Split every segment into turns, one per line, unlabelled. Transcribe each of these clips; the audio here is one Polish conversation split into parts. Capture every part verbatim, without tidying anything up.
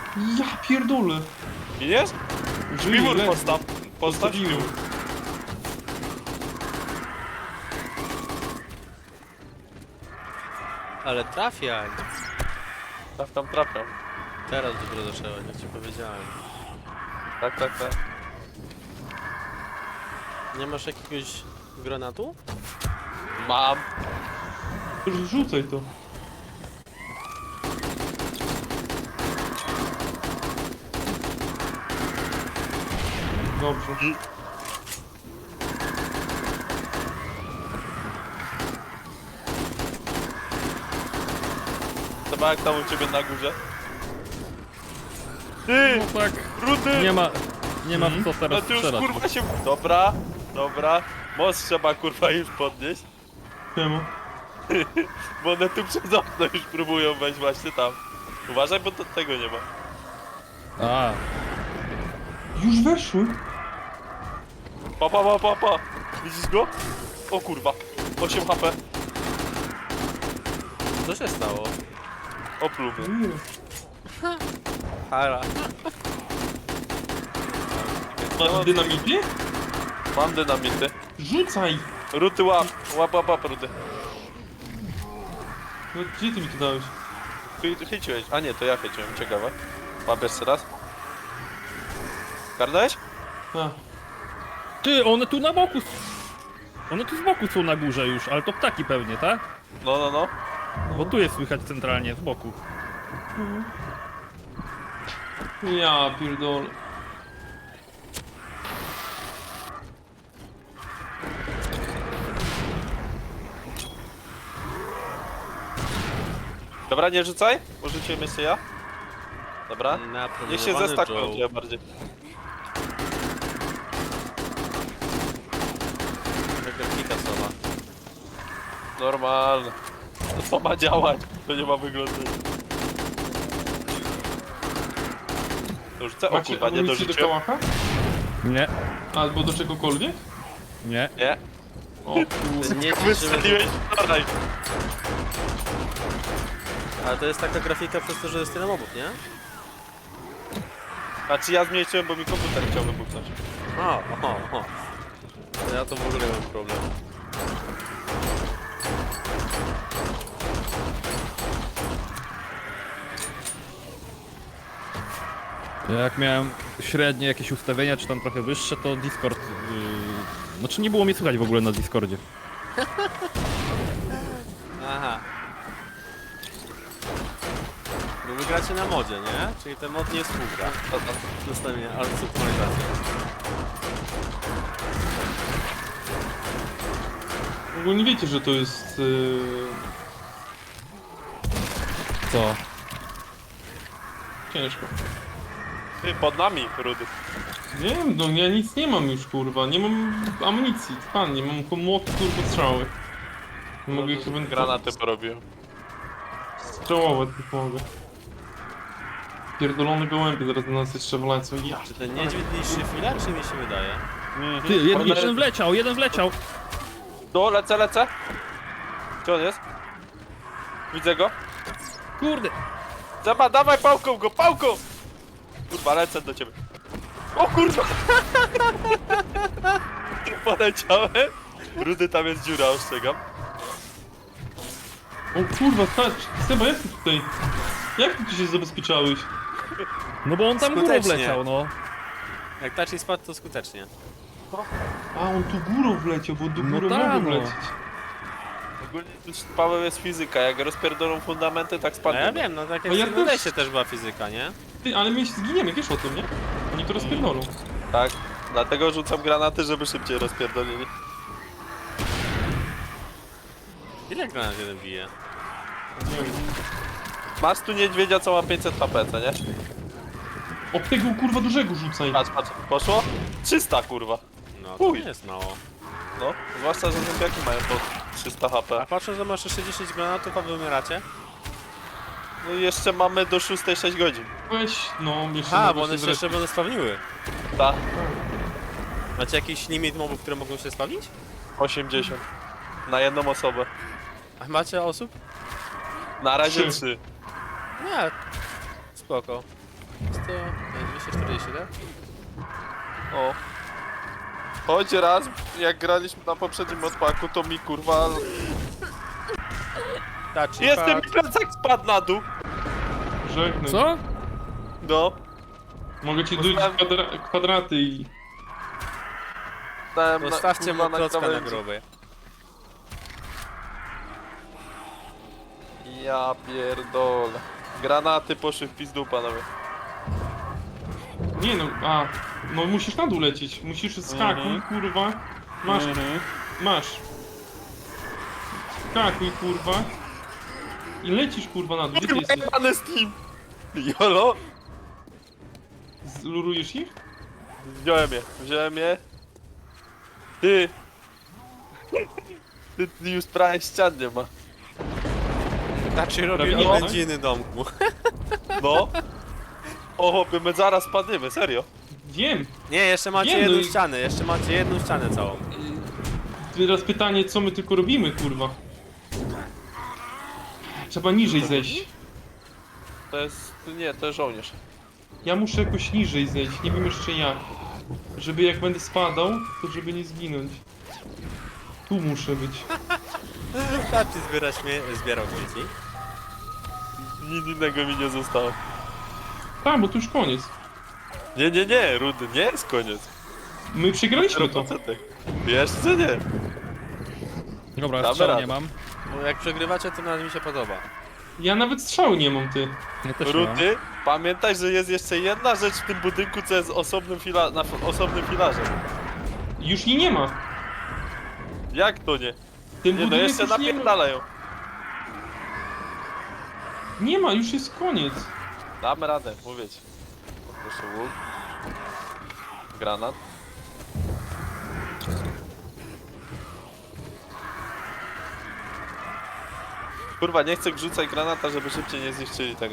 Ja pierdolę.
Widzisz? Śpiwór
ledwo.
postaw. Postaw śpiwór.
Ale trafiaj.
Tak tam trafiam.
Teraz dopiero zacząłem, jak ci powiedziałem.
Tak, tak, tak.
Nie masz jakiegoś granatu?
Mam.
Już rzucaj to. Dobrze.
Chyba jak tam u ciebie na górze. Ty!
No tak,
Rudy!
nie ma, nie ma w co
No
teraz
ty już
strzelać.
kurwa się... Dobra, dobra. Most trzeba kurwa już podnieść.
Czemu?
Bo one tu przez okno już próbują wejść właśnie tam. Uważaj, bo to tego nie ma.
A,
Już weszły?
Pa, pa, pa, pa, pa. Widzisz go? O kurwa. osiem H P.
Co się stało?
Opluł mnie.
Nie.
Hara.
Masz dynamity?
Mam dynamity.
Rzucaj!
Ruty łap. Łap, łap, łap, ruty.
No, gdzie ty mi to dałeś?
Chy- Chyciłeś. A nie, to ja chyciłem. Ciekawe. Łap jeszcze raz. Karnąłeś?
A,
ty, one tu na boku. s- One tu z boku są na górze już, ale to ptaki pewnie, tak?
No, no, no.
Bo tu jest słychać centralnie, z boku.
ja pierdolę.
Dobra, nie rzucaj. Porzuciłem jeszcze ja. Dobra.
Napromieniowany
Niech się zestakują
Joe.
trochę bardziej.
Taka grafika sama.
Normalne. To co ma działać? To nie ma wyglądać. To rzucę? O
Macie
kurwa, nie
amunicję do
dorzuciłem.
kałacha?
Nie,
Albo do czegokolwiek?
nie.
Nie.
O kurwa.
Nie ci,
Wystrzeliłeś wczoraj.
Ale to jest taka grafika przez to, że jest tyle mobów, nie?
Znaczy ja zmniejszyłem, bo mi komputer chciał wybuchnąć.
O, o, o. To ja to w ogóle mam problem.
Jak miałem średnie jakieś ustawienia, czy tam trochę wyższe, to Discord... Yy... Znaczy nie było mnie słychać w ogóle na Discordzie.
Aha. Bo wy gracie na modzie, nie? Czyli ten mod nie współgra. Zostawienie, ale synchronizacja.
Ogólnie wiecie, że to jest... Yy...
Co?
ciężko.
Ty, pod nami, Rudy.
Nie wiem, no ja nic nie mam już kurwa, nie mam amunicji, pan, nie mam młoty kurwa strzały. Nie mogę ich chyba
Granaty porobiłem.
strzałować, nie mogę. Pierdolone gołębie zaraz na nas jeszcze wlecą, ja.
Czy ten niedźwiedź niższy chwila, czy mi się wydaje?
Ty, jeden,
One-
jeden wleciał, jeden wleciał.
Do, lecę, lecę. Gdzie on jest? Widzę go.
Kurde.
Zaba, dawaj pałką go, pałką! Kurwa, lecę do ciebie. O kurwa! Poleciałem. Rudy, tam jest dziura, ostrzegam.
O kurwa, stać, Seba, jak ty tutaj? Jak ty tu się zabezpieczałeś?
No bo on tam górą
Skutecznie.
wleciał, no.
Jak taci spadł, to skutecznie.
A, on tu górą wleciał, bo do
No
góry
tak,
mogą
no.
lecieć.
Ogólnie już Paweł jest fizyka, jak rozpierdolą fundamenty, tak
No
spadnie.
ja wiem, no tak jak
A ja
w
też-
Desie też była fizyka, nie?
Ty, ale my się zginiemy, wiesz o tym, nie? Oni to rozpierdolą.
Tak, dlatego rzucam granaty, żeby szybciej rozpierdolili.
Ile granat jeden bije?
Nie wiem.
Masz tu niedźwiedzia, co ma pięćset H P, co nie?
O tego kurwa dużego rzucaj.
Patrz, patrz, poszło? trzysta kurwa.
No to
Uj.
nie jest mało.
No, zwłaszcza, że zombiaki mają po trzysta H
A
P.
patrzę, że masz jeszcze dziesięć granatów, a wy umieracie?
No i jeszcze mamy do szóstej sześć godzin.
Weź, no, jeszcze
A,
mogę
bo one się
zrespić.
jeszcze będą spawniły.
Ta,
Macie jakiś limit mobów, które mogą się spawnić?
osiemdziesiąt. Na jedną osobę.
A macie osób?
Na razie
Trzy.
trzy.
Nie. Spoko. to e, dwieście czterdzieści siedem?
O. Choć raz, jak graliśmy na poprzednim odpaku, to mi kurwa...
Touchy
Jestem, mi
pad.
plecak spadł na dół!
Żegnam.
Co?
No.
Mogę ci
Poznałem-
dać kwadra kwadraty i...
Dałem na,
Zostawcie
kurwa,
mu klocka na
krawędzi.
grobie.
Ja pierdolę. Granaty poszły w pizdu, panowie.
Nie no, a... No musisz na dół lecieć. Musisz skakuj,
Mhm.
kurwa. Masz,
Mhm.
masz. Skakuj, kurwa. I lecisz, kurwa, na dół. Gdzie ty jesteś?
Jebany Steam! Jolo!
Zlurujesz ich?
Wziąłem je, wziąłem je. Ty! Ty, ty już prawie ścian nie ma.
Touchy robił
Prawie nie.
niewędziny domku.
No. O, chłopie, my zaraz spadniemy, serio.
Wiem.
Nie, jeszcze macie
Nie, no
jedną
i-
ścianę, jeszcze macie jedną ścianę całą.
Teraz pytanie, co my tylko robimy, kurwa. Trzeba niżej zejść.
To jest... nie, to jest żołnierz.
Ja muszę jakoś niżej zejść, nie wiem jeszcze jak. Żeby jak będę spadał, to żeby nie zginąć. Tu muszę być.
Touchy zbiera śmie zbierał śmieci.
Nic innego mi nie zostało.
Tak, bo tu już koniec.
Nie, nie, nie, Rudy, nie jest koniec.
My przegraliśmy to.
Procentek. Jeszcze nie.
Dobra,
Damy
strzału
radę.
nie mam.
No jak przegrywacie, to nawet mi się podoba.
Ja nawet strzału nie mam, ty.
Ja też nie mam.
Rudy, pamiętaj, że jest jeszcze jedna rzecz w tym budynku, co jest osobnym fila na f- osobnym filarze.
Już jej nie ma.
Jak to nie?
Ten
Nie, no
budynek
jeszcze
już nie ma.
napierdalają.
Nie ma, już jest koniec.
Damy radę, mówię ci. Proszę łuk. Granat. Kurwa, nie chcę rzucać granata, żeby szybciej nie zniszczyli tego.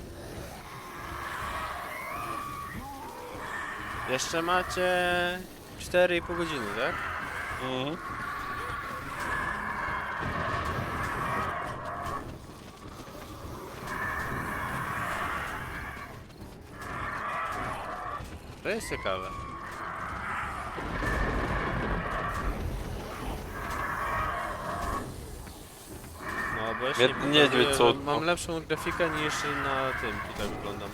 Jeszcze macie cztery i pół godziny, tak?
Mhm.
To jest ciekawe. No bo jeszcze
Biedny
nie
niedźwiedź,
pokazuję,
co-
że mam lepszą grafikę niż na tym, tutaj wyglądam.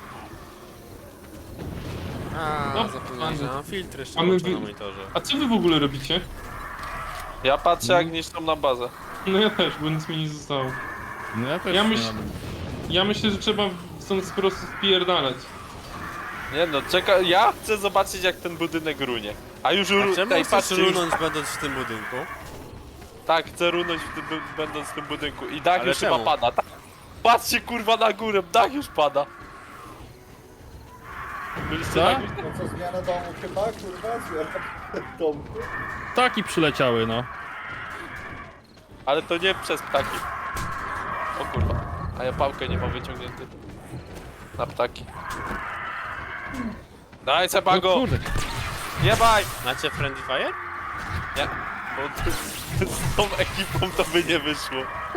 A,
No,
zapomniałem, że
mamy-
mam filtry jeszcze
mamy
włączone na
wi-
monitorze.
A co wy w ogóle robicie?
Ja patrzę, jak niszczą na bazę.
No ja też, bo nic mi nie zostało.
No ja też
Ja
nie
myśl-
mam.
Ja myślę, że trzeba stąd po prostu wpierdalać.
Nie no, czekaj, ja chcę zobaczyć, jak ten budynek runie. A już
A
ru...
czemu
Ej,
chcesz
patrzcie, już...
runąć będąc w tym budynku?
Tak, chcę runąć w tym, bu- będąc w tym budynku. I dach
Ale
już
czemu?
chyba pada. Tak. Patrzcie kurwa na górę, dach już pada. Byliście
Co?
na górze?
No co, zmiana domu chyba, kurwa, zmiana domu.
Ptaki przyleciały, no.
Ale to nie przez ptaki. O kurwa. A ja pałkę nie mam wyciągnięty. Na ptaki. Daj
No
Sebago!
kurde.
Jebaj!
Macie Friendly Fire?
Nie. Bo z tą ekipą to by nie wyszło.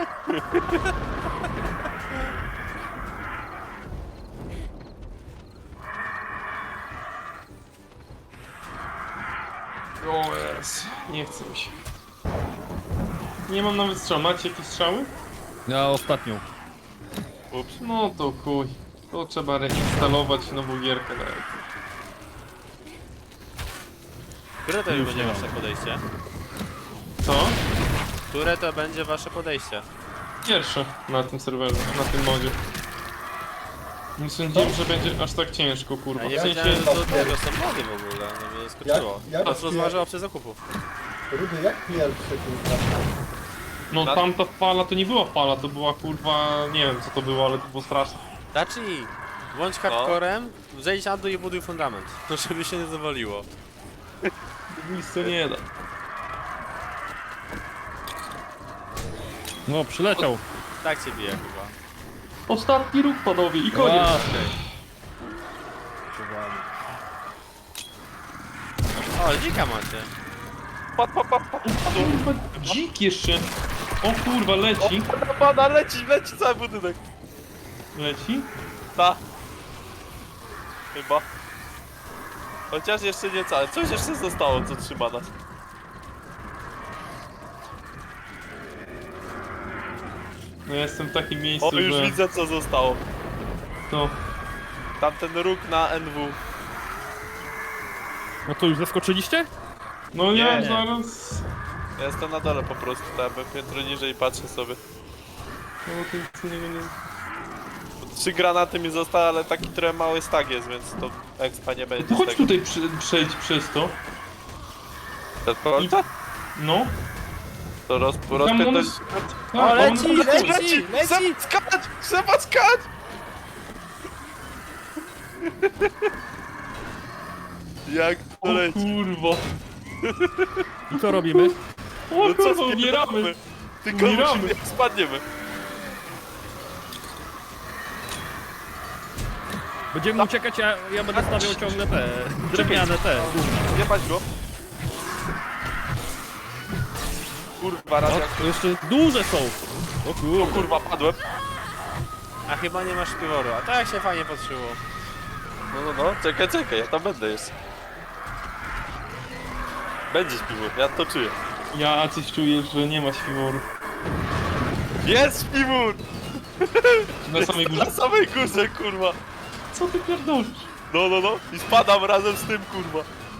O jest. Nie chcę mi się. Nie mam nawet strzał. Macie jakieś strzały?
Ja ostatnią.
Ups.
No to chuj. To trzeba reinstalować nową gierkę. Tak.
Które to
Już
będzie
nie
wasze
mam.
podejście?
Co?
Które to będzie wasze podejście?
Pierwsze na tym serwerze, na tym modzie. Nie sądziłem, że będzie aż tak ciężko, kurwa.
Ja
W
nie
sensie,
wiedziałem, że do tego są mody w ogóle, no mnie zaskoczyło.
Jak- jak-
Was rozważyła opcja zakupów.
Rudy, jak pierwszy, kurwa?
no
Na-
tamta fala to nie była fala, to była kurwa, nie wiem co to było, ale to było straszne.
Daci, bądź hardcorem, zejdź na dół i buduj fundament. No żeby się nie zawaliło.
Nic to nie da.
No, przyleciał.
Tak cię bije chyba.
Ostatni ruch panowie i koniec.
A,
O, dzika macie.
Pad, pad, pad, pad.
Kurwa, dzik jeszcze. O kurwa, leci.
O, pada, pada, leci, leci cały budynek.
Leci?
Ta. Chyba. Chociaż jeszcze nie całe. Coś jeszcze zostało, co trzyma nas.
No ja jestem w takim miejscu,
O, już
że...
widzę, co zostało.
To...
Tamten róg na N W.
No to już zaskoczyliście?
No ja
Nie.
zaraz...
Ja jestem na dole po prostu, tam piętro niżej i patrzę sobie.
No to nic innego nie...
Trzy granaty mi zostały, ale taki trochę mały stag jest, więc to expa nie będzie
To
z
chodź
tego.
tutaj przy, przejdź przez to.
Te kolce?
No.
To roz,
Tam
rozpęd...
one...
O,
Tak,
leci,
one...
leci, leci!
Trzeba skać! Trzeba skać! Jak to
O
leci?
kurwa.
I co robimy?
O
No co,
kurwa, umieramy.
spierdolamy? Tylko
Umieramy.
musimy, jak spadniemy.
Będziemy uciekać, ja, ja będę stawiał ciągle te drewniane te.
Nie paść go. Kurwa, raz
O,
jak...
to jeszcze duże są. O
O
kurde.
kurwa, padłem.
A chyba nie masz piworu, a tak się fajnie patrzyło.
No, no, no, czekaj, czekaj, ja tam będę jeszcze. Będzie śpiwór, ja to czuję.
Ja coś czuję, że nie ma śpiworu.
Jest śpiwór!
Na samej górze?
Na samej górze, kurwa.
Co ty pierdolisz?
No, no, no. I spadam razem z tym, kurwa.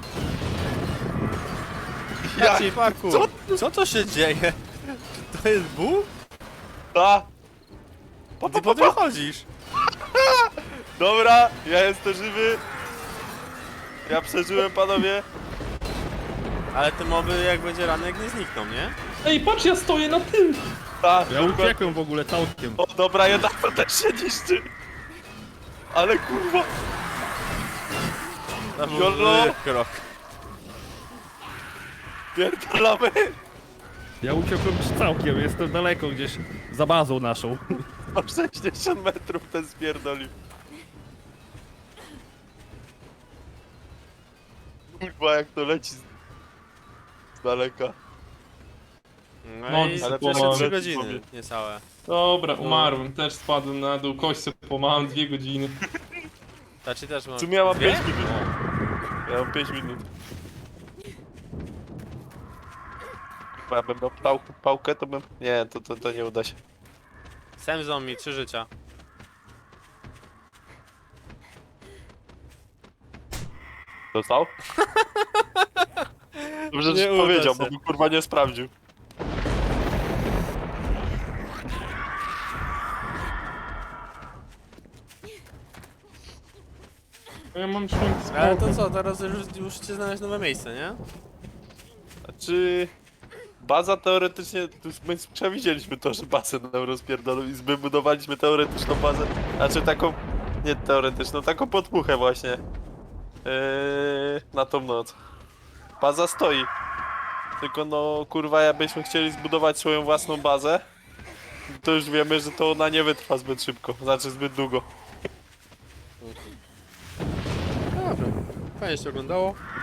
Jak?
Jaki parkour?
Co?
Co to się dzieje? Czy to jest Bóg?
Ta. Pa,
Ty
pa,
po
pa,
tym
pa.
chodzisz.
Dobra, ja jestem żywy. Ja przeżyłem, panowie.
Ale te moby jak będzie ranek nie znikną, nie?
Ej, patrz, ja stoję na tym!
Tak.
Ja uciekłem w ogóle całkiem.
O, dobra, jedna też się niszczy. Ale kurwa.
To był
Jolo.
zły krok.
Pierdolamy.
Ja uciekłem już całkiem, jestem daleko gdzieś za bazą naszą.
O sześćdziesiąt metrów ten spierdolił. Kurwa, jak to leci z, z daleka.
No,
No,
i
ale
przeszły
pomału.
trzy godziny, niecałe.
Dobra, umarłem, też spadłem na dół, kość sobie pomałem dwie godziny.
Znaczy też mam...
W sumie ja mam
Dwie?
pięć minut. Ja mam pięć minut. Bo ja bym miał pał, pałkę, to bym... Nie, to, to, to nie uda się.
Sam zombie, trzy życia.
Dostał? Dobrze,
Nie
że
uda
powiedział,
się.
bo bym kurwa nie sprawdził.
Ja mam szum
Ale to co, teraz już musicie znaleźć nowe miejsce, nie?
Znaczy... Baza teoretycznie... tu już My przewidzieliśmy to, że bazę nam rozpierdolą i zbudowaliśmy teoretyczną bazę. Znaczy taką... Nie teoretyczną, taką podpuchę właśnie. Yy, na tą noc. Baza stoi. Tylko no kurwa, jakbyśmy chcieli zbudować swoją własną bazę, to już wiemy, że to ona nie wytrwa zbyt szybko, znaczy zbyt długo.
Dobra, fajnie się oglądało.